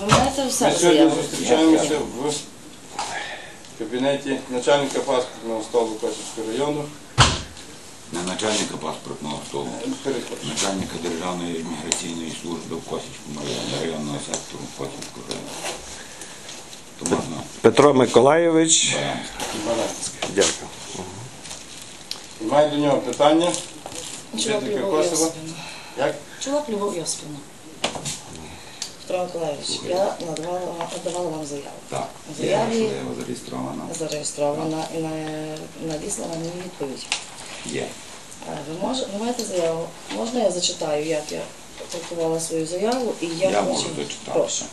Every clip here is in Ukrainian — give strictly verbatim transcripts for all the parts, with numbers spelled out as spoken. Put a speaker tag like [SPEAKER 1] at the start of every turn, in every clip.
[SPEAKER 1] Ви маєте все
[SPEAKER 2] Ми сьогодні
[SPEAKER 1] заяву?
[SPEAKER 2] зустрічаємося в кабінеті начальника паспортного столу Косівського району.
[SPEAKER 3] Не начальника паспортного столу, начальника Державної імміграційної служби в Косівському районі, районного сектору Косівського району. То можна
[SPEAKER 4] Петро Миколайович.
[SPEAKER 2] Баранський.
[SPEAKER 4] Дякую.
[SPEAKER 2] Маю до нього питання.
[SPEAKER 1] Чоловік
[SPEAKER 2] Жителька
[SPEAKER 1] Любов
[SPEAKER 2] Косова.
[SPEAKER 1] Йосипівна.
[SPEAKER 2] Як?
[SPEAKER 1] Чоловік Любов Йосипівна. Петро Миколайович, я надавала, надавала вам заяву.
[SPEAKER 3] так.
[SPEAKER 1] В заяві
[SPEAKER 3] Заяву зареєстровано.
[SPEAKER 1] зареєстрована і на- надіслана мені відповідь.
[SPEAKER 3] Є.
[SPEAKER 1] Е, Ви, мож, ви маєте заяву? Можна я зачитаю, як я трактувала свою заяву? І я,
[SPEAKER 3] Я
[SPEAKER 1] хочу-
[SPEAKER 3] можу зачитати.
[SPEAKER 1] Прошу.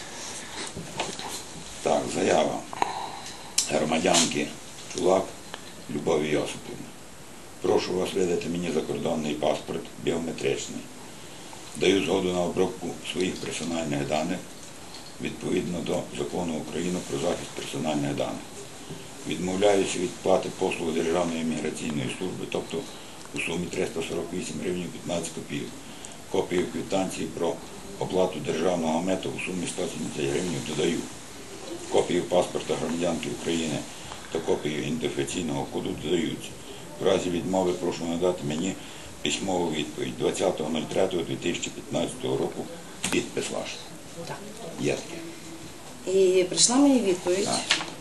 [SPEAKER 3] Так, заява громадянки Чулак Любові Йосипівни. Прошу вас видати мені закордонний паспорт біометричний. Даю згоду на обробку своїх персональних даних відповідно до Закону України про захист персональних даних. Відмовляюся від плати послуг Державної імміграційної служби, тобто у сумі триста сорок вісім гривень п'ятнадцять копійок. Копію квитанції про оплату державного миту у сумі сто сімдесят гривень додаю. Копію паспорта громадянки України та копію ідентифікаційного коду додаються. В разі відмови прошу надати мені письмову відповідь двадцятого третього дві тисячі п'ятнадцятого року. Підпис ваш.
[SPEAKER 1] Так.
[SPEAKER 3] Є таке.
[SPEAKER 1] І прийшла мені відповідь.
[SPEAKER 3] Так.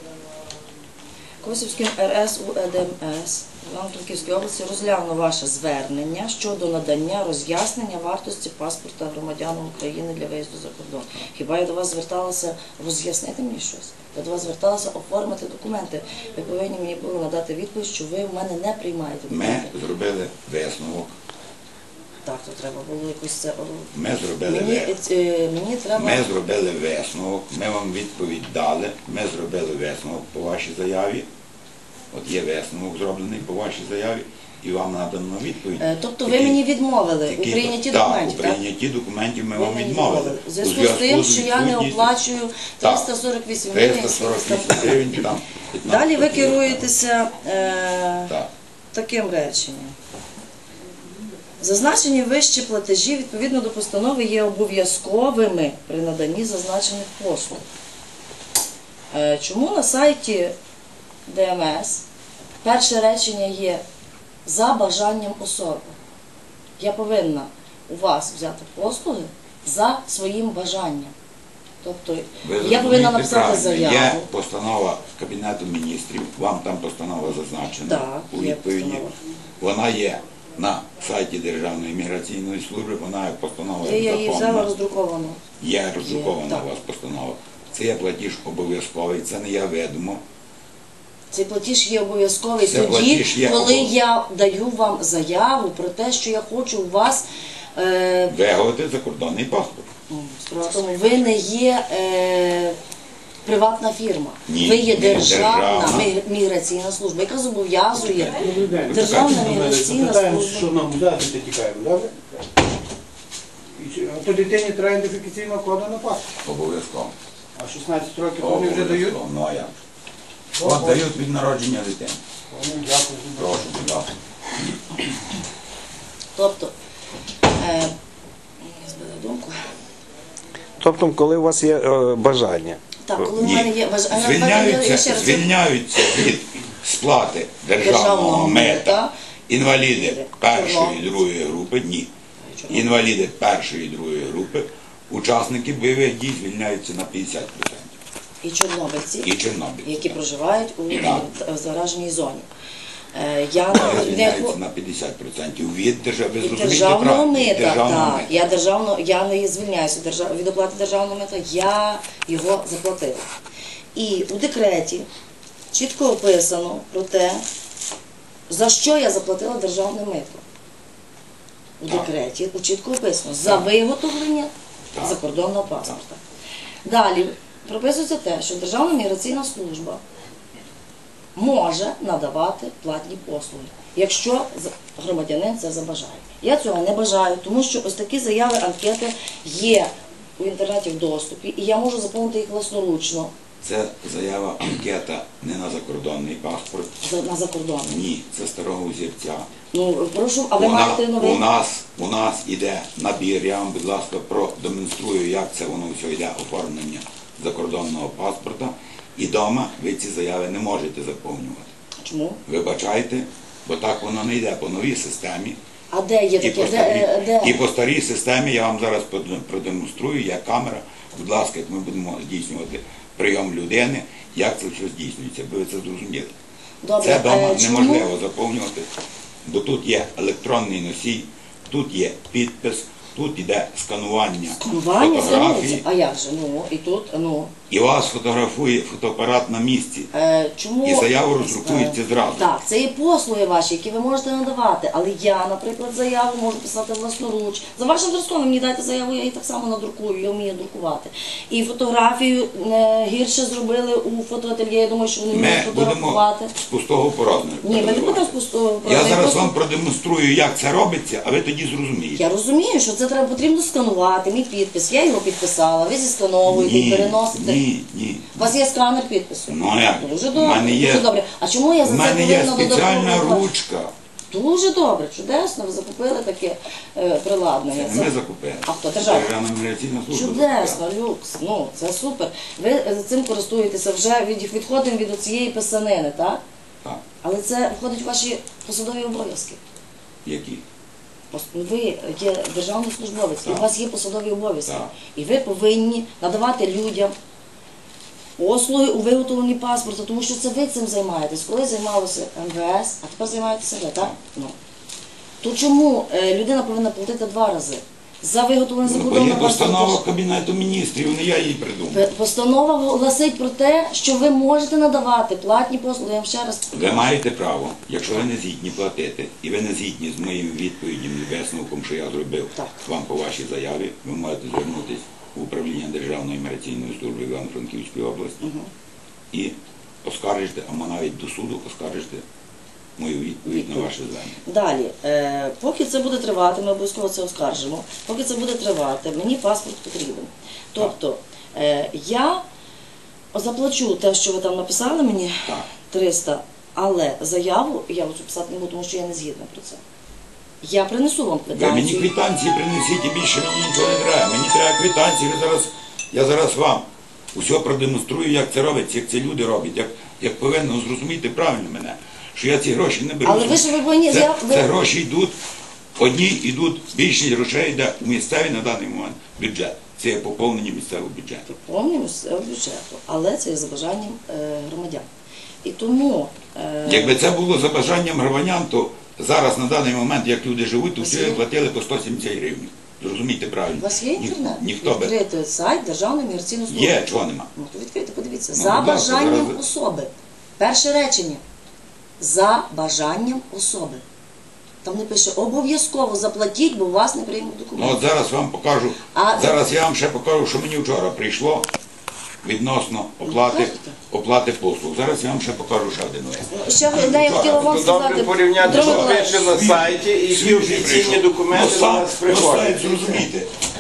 [SPEAKER 1] Косівським ер ес у е де ем ес Івано-Франківської області розглянув ваше звернення щодо надання роз'яснення вартості паспорта громадянам України для виїзду за кордон. Хіба я до вас зверталася роз'яснити мені щось? Я до вас зверталася оформити документи. Ви повинні мені були надати відповідь, що ви в мене не приймаєте
[SPEAKER 3] Ми
[SPEAKER 1] документи.
[SPEAKER 3] зробили висновок.
[SPEAKER 1] Так, то треба було якось це...
[SPEAKER 3] Ми зробили
[SPEAKER 1] Мені,
[SPEAKER 3] висновок.
[SPEAKER 1] е, мені треба...
[SPEAKER 3] Ми зробили висновок, ми вам відповідь дали, ми зробили висновок по вашій заяві. От є висновок зроблений по вашій заяві, і вам надано відповідь.
[SPEAKER 1] Е, Тобто ви
[SPEAKER 3] Який-
[SPEAKER 1] мені відмовили у
[SPEAKER 3] який-
[SPEAKER 1] прийнятті
[SPEAKER 3] так,
[SPEAKER 1] документів,
[SPEAKER 3] у
[SPEAKER 1] так?
[SPEAKER 3] прийнятті документів ми
[SPEAKER 1] Ви
[SPEAKER 3] вам
[SPEAKER 1] мені
[SPEAKER 3] відмовили.
[SPEAKER 1] В зв'язку з тим, що я не
[SPEAKER 3] відсутністю-
[SPEAKER 1] оплачую
[SPEAKER 3] Так.
[SPEAKER 1] триста сорок вісім гривень.
[SPEAKER 3] триста сорок вісім гривень, там п'ятнадцять
[SPEAKER 1] Далі ви
[SPEAKER 3] копійок.
[SPEAKER 1] керуєтеся е,
[SPEAKER 3] Так.
[SPEAKER 1] таким реченням. Зазначені вищі платежі відповідно до постанови є обов'язковими при наданні зазначених послуг. Е, чому на сайті де ем ес перше речення є «за бажанням особи»? Я повинна у вас взяти послуги за своїм бажанням. Тобто
[SPEAKER 3] Ви
[SPEAKER 1] я
[SPEAKER 3] зрозумієте
[SPEAKER 1] повинна написати
[SPEAKER 3] правильно.
[SPEAKER 1] заяву.
[SPEAKER 3] Є постанова Кабінету міністрів, вам там постанова зазначена
[SPEAKER 1] Так,
[SPEAKER 3] у
[SPEAKER 1] є
[SPEAKER 3] відповіді.
[SPEAKER 1] постанова.
[SPEAKER 3] Вона є на сайті Державної імміграційної служби, вона як постанова
[SPEAKER 1] Я її взяла
[SPEAKER 3] законна.
[SPEAKER 1] роздруковано.
[SPEAKER 3] Є роздрукована
[SPEAKER 1] так.
[SPEAKER 3] у вас постанова. Це є платіж обов'язковий, це не є відомо.
[SPEAKER 1] Цей платіж є обов'язковий
[SPEAKER 3] Це
[SPEAKER 1] тоді,
[SPEAKER 3] платіж є
[SPEAKER 1] коли
[SPEAKER 3] обов-
[SPEAKER 1] я даю вам заяву про те, що я хочу у вас, е,
[SPEAKER 3] Виготовити закордонний паспорт.
[SPEAKER 1] справа в тому, ви не є е, приватна фірма,
[SPEAKER 3] Ні,
[SPEAKER 1] ви є
[SPEAKER 3] ми
[SPEAKER 1] державна
[SPEAKER 3] державна.
[SPEAKER 1] мі- міграційна служба, яка зобов'язує
[SPEAKER 5] Добрий день.
[SPEAKER 1] державна міграційна
[SPEAKER 5] Запитаємо,
[SPEAKER 1] служба.
[SPEAKER 5] що нам взяти, ти тікаємо, добре? І чи- а то дитині треба ідентифікаційного коду на паспорт.
[SPEAKER 3] Обов'язково.
[SPEAKER 5] А шістнадцять років вони вже дають?
[SPEAKER 3] Обов'язково. Ну а як? От дають від народження дитини.
[SPEAKER 5] Вони, дякую.
[SPEAKER 3] Прошу, будь ласка.
[SPEAKER 1] Тобто, е, я збила думку.
[SPEAKER 4] Тобто, коли у вас є е, бажання.
[SPEAKER 1] Так, коли в
[SPEAKER 3] Ні.
[SPEAKER 1] мене є важ- а, я- я
[SPEAKER 3] Звільняються,
[SPEAKER 1] ще раз-
[SPEAKER 3] звільняються від сплати державного
[SPEAKER 1] Державного
[SPEAKER 3] мита
[SPEAKER 1] мита.
[SPEAKER 3] інваліди першої
[SPEAKER 1] Чорнобильці.
[SPEAKER 3] і другої групи, ні. Інваліди першої і другої групи, учасники бойових дій звільняються на п'ятдесят відсотків.
[SPEAKER 1] і чорнобильці,
[SPEAKER 3] І чорнобильці.
[SPEAKER 1] які проживають у
[SPEAKER 3] Так.
[SPEAKER 1] е, зараженій зоні. Е, Я
[SPEAKER 3] Вони
[SPEAKER 1] не
[SPEAKER 3] звільняються на п'ятдесят відсотків від держави. Ви
[SPEAKER 1] від
[SPEAKER 3] зрозумієте
[SPEAKER 1] державного
[SPEAKER 3] правильно? Від
[SPEAKER 1] мита,
[SPEAKER 3] державного
[SPEAKER 1] так,
[SPEAKER 3] мита.
[SPEAKER 1] я державно, я не звільняюся держав- від оплати державного мита, я його заплатила. І у декреті чітко описано про те, за що я заплатила державне мито. У
[SPEAKER 3] Так.
[SPEAKER 1] декреті чітко описано за виготовлення
[SPEAKER 3] Так.
[SPEAKER 1] закордонного паспорта. Далі прописується те, що Державна міграційна служба може надавати платні послуги, якщо громадянин це забажає. Я цього не бажаю, тому що ось такі заяви, анкети є у інтернеті в доступі, і я можу заповнити їх власноручно.
[SPEAKER 3] Це заява анкета не на закордонний паспорт.
[SPEAKER 1] За- На закордон.
[SPEAKER 3] Ні, це старого взірця.
[SPEAKER 1] Ну, прошу, а ви
[SPEAKER 3] у, на-
[SPEAKER 1] маєте новий?
[SPEAKER 3] у нас у нас іде набір, я вам, будь ласка, продемонструю, як це воно все йде, оформлення закордонного паспорта. І вдома ви ці заяви не можете заповнювати.
[SPEAKER 1] Чому?
[SPEAKER 3] Вибачайте, бо так воно не йде по новій системі.
[SPEAKER 1] А де є
[SPEAKER 3] І
[SPEAKER 1] таке?
[SPEAKER 3] по,
[SPEAKER 1] Де,
[SPEAKER 3] старій,
[SPEAKER 1] е, де?
[SPEAKER 3] і по старій системі я вам зараз продем- продемонструю, як камера, будь ласка, як ми будемо здійснювати прийом людини, як це все здійснюється, аби ви це зрозуміли.
[SPEAKER 1] Добре,
[SPEAKER 3] Це вдома
[SPEAKER 1] е, чому?
[SPEAKER 3] неможливо заповнювати, бо тут є електронний носій, тут є підпис, тут йде сканування,
[SPEAKER 1] Сканування
[SPEAKER 3] фотографії,
[SPEAKER 1] займається? А як же? Ну, і тут, ну.
[SPEAKER 3] і вас фотографує фотоапарат на місці.
[SPEAKER 1] Е, чому?
[SPEAKER 3] І заява роздрукується
[SPEAKER 1] Е,
[SPEAKER 3] зразу.
[SPEAKER 1] Так, це є послуги ваші, які ви можете надавати. Але я, наприклад, заяву можу писати власноруч. За вашим зразком ви мені дайте заяву, я її так само надрукую, я вмію друкувати. І фотографію е, гірше зробили у фотоательє, я думаю, що вони вміють
[SPEAKER 3] Ми будемо
[SPEAKER 1] фотографувати.
[SPEAKER 3] з пустого порожнього.
[SPEAKER 1] Ні, ми не будемо з пустого
[SPEAKER 3] Я
[SPEAKER 1] просто-
[SPEAKER 3] зараз вам продемонструю, як це робиться, а ви тоді зрозумієте.
[SPEAKER 1] Я розумію, що це треба потрібно сканувати, мій підпис. Я його підписала, ви зіскановуєте і переносите.
[SPEAKER 3] ні, ні.
[SPEAKER 1] У вас є сканер підпису?
[SPEAKER 3] Ну а як?
[SPEAKER 1] Дуже
[SPEAKER 3] В
[SPEAKER 1] добре,
[SPEAKER 3] мене є,
[SPEAKER 1] дуже добре. А чому я за
[SPEAKER 3] в
[SPEAKER 1] це
[SPEAKER 3] мене є
[SPEAKER 1] повинна
[SPEAKER 3] спеціальна
[SPEAKER 1] додатково?
[SPEAKER 3] ручка.
[SPEAKER 1] Дуже добре, чудесно, ви закупили таке е, приладнання.
[SPEAKER 3] Це не ми закупили.
[SPEAKER 1] А хто? Держава?
[SPEAKER 3] Державна міграційна служба.
[SPEAKER 1] Чудесно,
[SPEAKER 3] закупила.
[SPEAKER 1] люкс, ну це супер. Ви е, цим користуєтеся вже від відходимо від цієї писанини, так?
[SPEAKER 3] Так.
[SPEAKER 1] Але це входить в ваші посадові обов'язки.
[SPEAKER 3] Які?
[SPEAKER 1] Пос- Ви є державний службовець, і у
[SPEAKER 3] Так.
[SPEAKER 1] вас є посадові обов'язки.
[SPEAKER 3] Так.
[SPEAKER 1] І ви повинні надавати людям послуги у виготовленні паспорта, тому що це ви цим займаєтесь. Коли займалося ем ве ес, а тепер займаєтеся ви, так? Ну. То чому е, людина повинна платити два рази? За виготовлення
[SPEAKER 3] Ну, бо є
[SPEAKER 1] закордонного
[SPEAKER 3] постанова
[SPEAKER 1] паспорта.
[SPEAKER 3] Кабінету міністрів, не я її придумав.
[SPEAKER 1] П- Постанова гласить про те, що ви можете надавати платні послуги. Я вам ще раз
[SPEAKER 3] Ви маєте право, якщо ви не згідні платити, і ви не згідні з моїм відповіддям і висновком, що я зробив
[SPEAKER 1] Так.
[SPEAKER 3] вам по вашій заяві, ви можете звернутися в управління Державної міграційної служби Івано-Франківської області і оскаржите, або навіть до суду оскаржите мою відповідь на ваше звернення.
[SPEAKER 1] Далі, е, поки це буде тривати, ми обов'язково це оскаржимо. Поки це буде тривати, мені паспорт потрібен. Тобто е, я заплачу те, що ви там написали мені,
[SPEAKER 3] Так.
[SPEAKER 1] триста, але заяву я оцю писати не буду, тому що я не згідна про це. Я принесу вам
[SPEAKER 3] Ви мені
[SPEAKER 1] квитанцію.
[SPEAKER 3] квитанції принесіть і більше мені нічого не треба. Мені треба квитанції, ви зараз, я зараз вам усе продемонструю, як це робиться, як це люди роблять, як, як повинно зрозуміти правильно мене, що я ці гроші не беру.
[SPEAKER 1] Але ви ж ви повинні-
[SPEAKER 3] це,
[SPEAKER 1] я- ви-
[SPEAKER 3] це гроші йдуть, одні йдуть, більшість грошей йде у місцевий на даний момент бюджет. Це є поповнення місцевого бюджету.
[SPEAKER 1] Повністю з бюджету, але це є за бажанням е, громадян. І тому е,
[SPEAKER 3] Якби це було за бажанням громадян, то зараз на даний момент, як люди живуть, то всі
[SPEAKER 1] Василь?
[SPEAKER 3] платили по сто сімдесят гривень. Зрозумійте правильно.
[SPEAKER 1] у вас є
[SPEAKER 3] Ні-
[SPEAKER 1] інтернет?
[SPEAKER 3] Ніхто би.
[SPEAKER 1] Відкрити сайт Державної міграційної служби.
[SPEAKER 3] Є, чого нема.
[SPEAKER 1] Ну, то відкрийте, подивіться.
[SPEAKER 3] Ну,
[SPEAKER 1] За
[SPEAKER 3] будь ласка,
[SPEAKER 1] бажанням
[SPEAKER 3] зараз-
[SPEAKER 1] особи. Перше речення. За бажанням особи. Там не пише обов'язково заплатіть, бо у вас не приймуть
[SPEAKER 3] Ну
[SPEAKER 1] документи.
[SPEAKER 3] от зараз вам покажу.
[SPEAKER 1] А-
[SPEAKER 3] Зараз я вам ще покажу, що мені вчора прийшло відносно оплати,
[SPEAKER 1] Покажете?
[SPEAKER 3] оплати послуг. Зараз я вам ще покажу ще один лист.
[SPEAKER 1] Ще одне я хотіла вам
[SPEAKER 2] То
[SPEAKER 1] сказати.
[SPEAKER 2] добре порівняти,
[SPEAKER 1] Дмитро
[SPEAKER 2] що
[SPEAKER 1] Миколаївич,
[SPEAKER 2] пише на сайті і які
[SPEAKER 3] Свіжий
[SPEAKER 2] офіційні
[SPEAKER 3] прийшов.
[SPEAKER 2] документи
[SPEAKER 3] Ну,
[SPEAKER 2] до
[SPEAKER 3] сам-
[SPEAKER 2] нас
[SPEAKER 3] ну, сайт,
[SPEAKER 2] приходять.
[SPEAKER 3] зрозумійте.